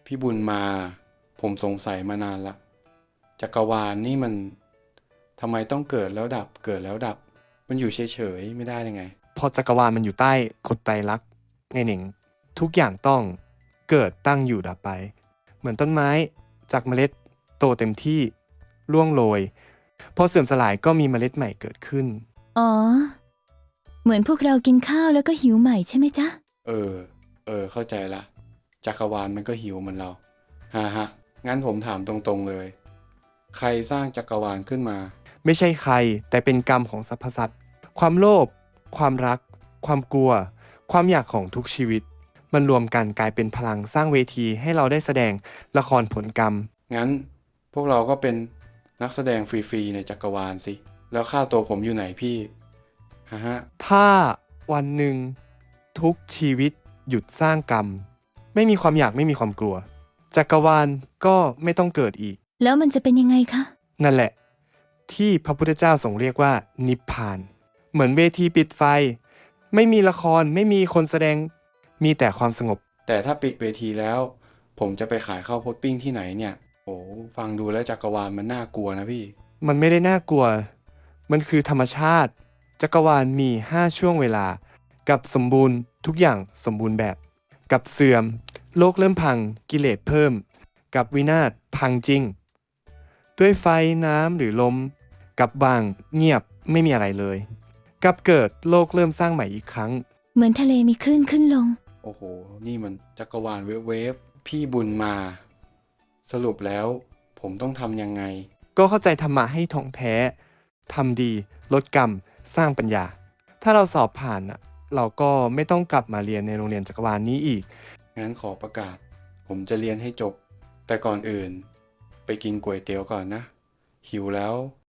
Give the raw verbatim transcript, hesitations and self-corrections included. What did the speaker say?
พี่บุญมาผมสงสัยมานานละจักรวาลนี่มันทำไมต้องเกิดแล้วดับเกิดแล้วดับมันอยู่เฉยๆไม่ได้ยังไงพอจักรวาลมันอยู่ใต้กฎไตรลักษณ์ไงหนิงทุกอย่างต้องเกิดตั้งอยู่ดับไปเหมือนต้นไม้จากเมล็ดโตเต็มที่ร่วงโรยพอเสื่อมสลายก็มีเมล็ดใหม่เกิดขึ้นอ๋อเหมือนพวกเรากินข้าวแล้วก็หิวใหม่ใช่ไหมจ๊ะเออเออเข้าใจละจักรวาลมันก็หิวเหมือนเราฮ่าฮะงั้นผมถามตรงๆเลยใครสร้างจักรวาลขึ้นมาไม่ใช่ใครแต่เป็นกรรมของสรรพสัตว์ความโลภความรักความกลัวความอยากของทุกชีวิตมันรวมกันกลายเป็นพลังสร้างเวทีให้เราได้แสดงละครผลกรรมงั้นพวกเราก็เป็นนักแสดงฟรีๆในจักรวาลสิแล้วค่าตัวผมอยู่ไหนพี่ฮ่าฮะถ้าวันหนึ่งทุกชีวิตหยุดสร้างกรรมไม่มีความอยากไม่มีความกลัวจักรวาลก็ไม่ต้องเกิดอีกแล้วมันจะเป็นยังไงคะนั่นแหละที่พระพุทธเจ้าทรงเรียกว่านิพพานเหมือนเวทีปิดไฟไม่มีละครไม่มีคนแสดงมีแต่ความสงบแต่ถ้าปิดเวทีแล้วผมจะไปขายข้าวโพดปิ้งที่ไหนเนี่ยโอ้ฟังดูแล้วจักรวาลมันน่ากลัวนะพี่มันไม่ได้น่ากลัวมันคือธรรมชาติจักรวาลมีห้าช่วงเวลากับสมบูรณ์ทุกอย่างสมบูรณ์แบบกับเสื่อมโลกเริ่มพังกิเลสเพิ่มกับวินาศพังจริงด้วยไฟน้ำหรือลมกับว่างเงียบไม่มีอะไรเลยกับเกิดโลกเริ่มสร้างใหม่อีกครั้งเหมือนทะเลมีคลื่นขึ้นลงโอ้โหนี่มันจักรวาลเวฟเวฟพี่บุญมาสรุปแล้วผมต้องทำยังไงก็เข้าใจธรรมะให้ท่องแท้ทำดีลดกรรมสร้างปัญญาถ้าเราสอบผ่านอ่ะเราก็ไม่ต้องกลับมาเรียนในโรงเรียนจักรวาลนี้อีกงั้นขอประกาศผมจะเรียนให้จบแต่ก่อนอื่นไปกินก๋วยเตี๋ยวก่อนนะหิวแล้ว